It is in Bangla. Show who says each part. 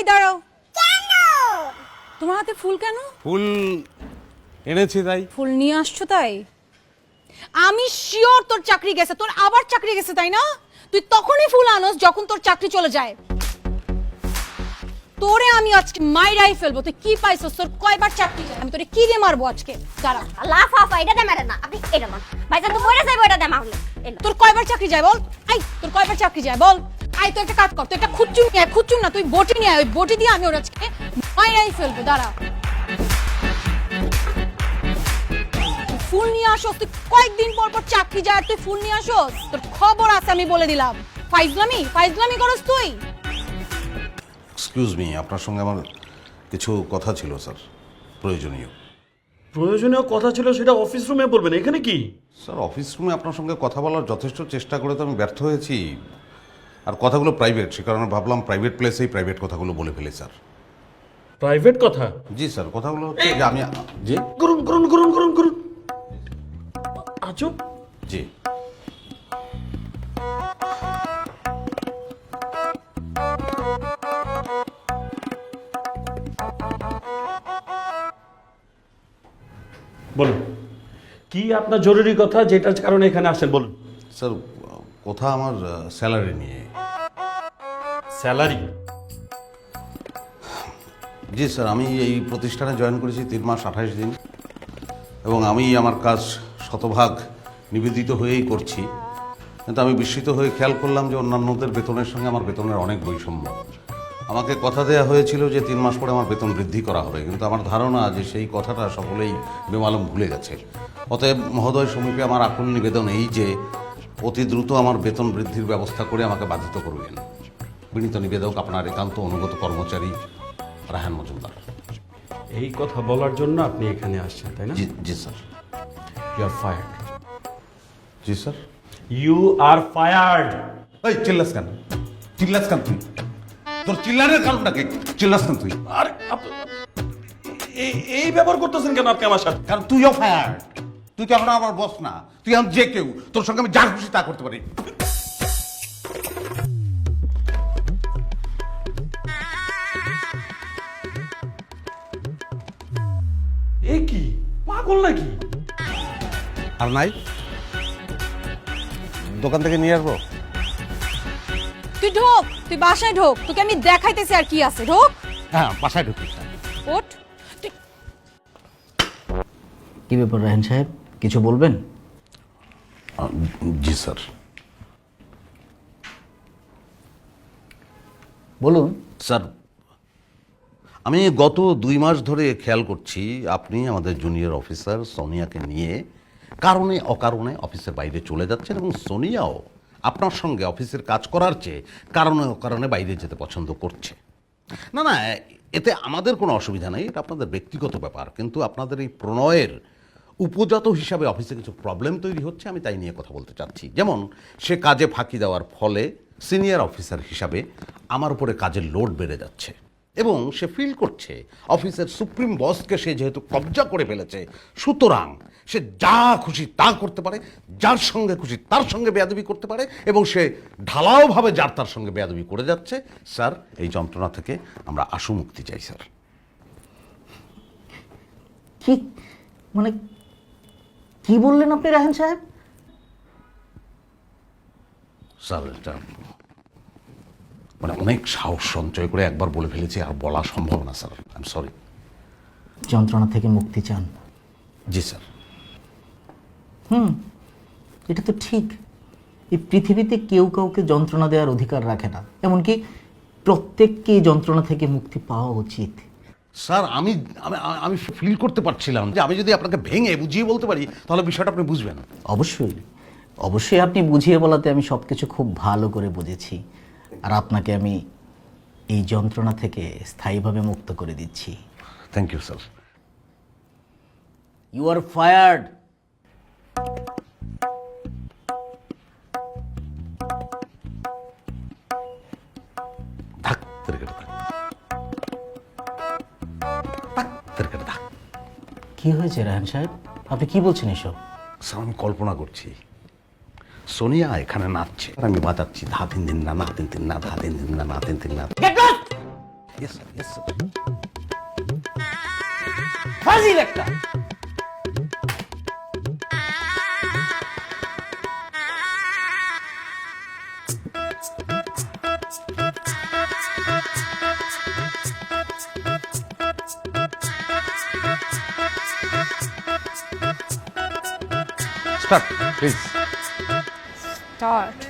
Speaker 1: দাঁড়াও। কেন তোমার হাতে ফুল কেন?
Speaker 2: ফুল এনেছি তাই।
Speaker 1: ফুল নিয়ে আসছো তাই? আমি শিওর তোর চাকরি গেছে, তোর আবার চাকরি গেছে তাই না? তুই তখনই ফুল আনস যখন তোর চাকরি চলে যায়। তোরে আমি আজকে মাইরাই ফেলবো। তুই কি পাইছস? তোর কয়বার চাকরি যায়? আমি তোরে কি দিয়ে মারবো আজকে? দাঁড়া।
Speaker 3: লাফাফা এটা দে মেরে না, আপনি এটা মান ভাইজান তো মরে যাইবো, এটা দে মারলে।
Speaker 1: তোর কয়বার চাকরি যায় বল? আই তোর কয়বার চাকরি যায় বল? আই তুই একটা কাজ কর, তুই একটা খুচ্চুম নিয়ে আয়, খুচ্চুম না তুই বটি নিয়ে আয়, ওই বটি দিয়ে আমি ওর আজকে মাইরাই ফেলবো। দাঁড়া। ফুল নিয়ে আসোস, তুই কয়েকদিন পর পর চাকরি যায় আর তুই ফুল নিয়ে আসোস? তোর খবর আছে আমি বলে দিলাম। ফাইজলামি করস তুই।
Speaker 2: এক্সকিউজ মি, আপনার সঙ্গে আমার কিছু কথা ছিল স্যার, প্রয়োজনীয়।
Speaker 4: প্রয়োজনীয় কথা ছিল সেটা অফিস রুমে বলবেন, এখানে কি?
Speaker 2: স্যার অফিস রুমে আপনার সঙ্গে কথা বলার যথেষ্ট চেষ্টা করে তো আমি ব্যর্থ হয়েছি। আর কথাগুলো প্রাইভেট, সে কারণে ভাবলাম প্রাইভেট প্লেসেই প্রাইভেট কথাগুলো বলে ফেলি স্যার।
Speaker 4: প্রাইভেট কথা?
Speaker 2: জি স্যার, কথাগুলো হচ্ছে যে আমি জি
Speaker 4: করুন করুন করুন করুন করুন। আজব।
Speaker 2: জি
Speaker 4: বলুন কি আপনার জরুরি কথা, যেটার কারণে এখানে আসেন বলুন।
Speaker 2: স্যার, কথা আমার স্যালারি নিয়ে।
Speaker 4: স্যালারি?
Speaker 2: জি স্যার, আমি এই প্রতিষ্ঠানে জয়েন করেছি 3 মাস 28 দিন এবং আমি আমার কাজ শতভাগ নিবেদিত হয়েই করছি। কিন্তু আমি বিস্মিত হয়ে খেয়াল করলাম যে অন্যান্যদের বেতনের সঙ্গে আমার বেতনের অনেক বৈষম্য। আমাকে কথা দেওয়া হয়েছিল যে 3 মাস পরে আমার বেতন বৃদ্ধি করা হবে, কিন্তু আমার ধারণা যে সেই কথাটা সকলেই বেমালুম ভুলে গেছে। অতএব মহোদয় সমীপে আমার আকুল নিবেদন এই যে অতি দ্রুত আমার বেতন বৃদ্ধির ব্যবস্থা করে আমাকে বাধিত করবেন। বিনীত নিবেদক, আপনার একান্ত অনুগত কর্মচারী রায়হান মজুমদার।
Speaker 4: এই কথা বলার জন্য আপনি এখানে আসছেন তাই না?
Speaker 2: জি জি স্যার।
Speaker 4: You are fired.
Speaker 2: জি স্যার।
Speaker 4: You are fired.
Speaker 2: এই চিল্লাস কেন? চিল্লাস কেন তুই? তোর চিল্লানের কারণটা কি? চিল্লাস কেন তুই?
Speaker 4: আরে এই ব্যবহার করতেছেন কেন আপনি আমার সাথে?
Speaker 2: কারণ তুইও ফায়ার। তুই তো এখন আমার বস না, তুই এখন যে কেউ, তোর সঙ্গে আমি যা খুশি তা করতে পারি।
Speaker 4: এ কি পাগল নাকি?
Speaker 2: আর নাই দোকান থেকে নিয়ে আসবো?
Speaker 1: তুই ঢোক, তুই বাসায় ঢোক, তোকে আমি দেখাইতেছি আর কি আছে। ঢোক।
Speaker 2: হ্যাঁ, বাসায় ঢুকিস।
Speaker 1: ওঠ।
Speaker 5: কি ব্যাপার রায়হান সাহেব, কিছু বলবেন?
Speaker 2: জি স্যার।
Speaker 5: বলুন।
Speaker 2: স্যার, আমি গত 2 মাস ধরে খেয়াল করছি আপনি আমাদের জুনিয়র অফিসার সোনিয়াকে নিয়ে কারণে অকারণে অফিসের বাইরে চলে যাচ্ছেন এবং সোনিয়াও আপনার সঙ্গে অফিসের কাজ করার চেয়ে কারণে অকারণে বাইরে যেতে পছন্দ করছে। না না, এতে আমাদের কোনো অসুবিধা নেই, এটা আপনাদের ব্যক্তিগত ব্যাপার, কিন্তু আপনাদের এই প্রণয়ের উপজাত হিসাবে অফিসে কিছু প্রবলেম তৈরি হচ্ছে, আমি তাই নিয়ে কথা বলতে চাচ্ছি। যেমন সে কাজে ফাঁকি দেওয়ার ফলে সিনিয়র অফিসার হিসাবে আমার উপরে কাজের লোড বেড়ে যাচ্ছে এবং সে ফিল করছে অফিসের সুপ্রিম বসকে সে যেহেতু কবজা করে ফেলেছে, সুতরাং সে যা খুশি তা করতে পারে, যার সঙ্গে খুশি তার সঙ্গে বেয়াদবি করতে পারে এবং সে ঢালাওভাবে যার তার সঙ্গে বেয়াদবি করে যাচ্ছে। স্যার, এই যন্ত্রণা থেকে আমরা আশু মুক্তি চাই স্যার।
Speaker 5: কি মানে কি বললেন আপনি রায়হান সাহেব?
Speaker 2: স্যার, এটা মানে অনেক সাহস সঞ্চয় করে একবার বলে ফেলেছি, আর বলা সম্ভব না স্যার, আই এম সরি।
Speaker 5: যন্ত্রণা থেকে মুক্তি চান?
Speaker 2: জি স্যার।
Speaker 5: এটা তো ঠিক। এই পৃথিবীতে কেউ কাউকে যন্ত্রণা দেওয়ার অধিকার রাখে না, এমনকি প্রত্যেককে এই যন্ত্রণা থেকে মুক্তি পাওয়া উচিত।
Speaker 2: স্যার, আমি আমি আমি ফিল করতে পারছিলাম যে আমি যদি আপনাকে ভেঙে বুঝিয়ে বলতে পারি তাহলে বিষয়টা আপনি বুঝবেন।
Speaker 5: অবশ্যই অবশ্যই, আপনি বুঝিয়ে বলাতে আমি সব কিছু খুব ভালো করে বুঝেছি, আর আপনাকে আমি এই যন্ত্রণা থেকে স্থায়ীভাবে মুক্ত করে দিচ্ছি।
Speaker 2: Thank you sir.
Speaker 5: You are fired.
Speaker 2: ধাক তেরকেটে ধাক, ধাক তেরকেটে ধাক।
Speaker 5: কি হয়েছে রায়হান সাহেব, আপনি কি বলছেন এসব?
Speaker 2: স্যার, আমি কল্পনা করছি সোনিয়া এখানে নাচছে আর আমি বাজাচ্ছি ধা তিন দিন না, না তিন তিন না, ধা তিন দিন না, না তিন তিন না। Yes sir, yes sir.
Speaker 4: ফাজিল একটা।
Speaker 2: Start please.
Speaker 1: স্টার্ট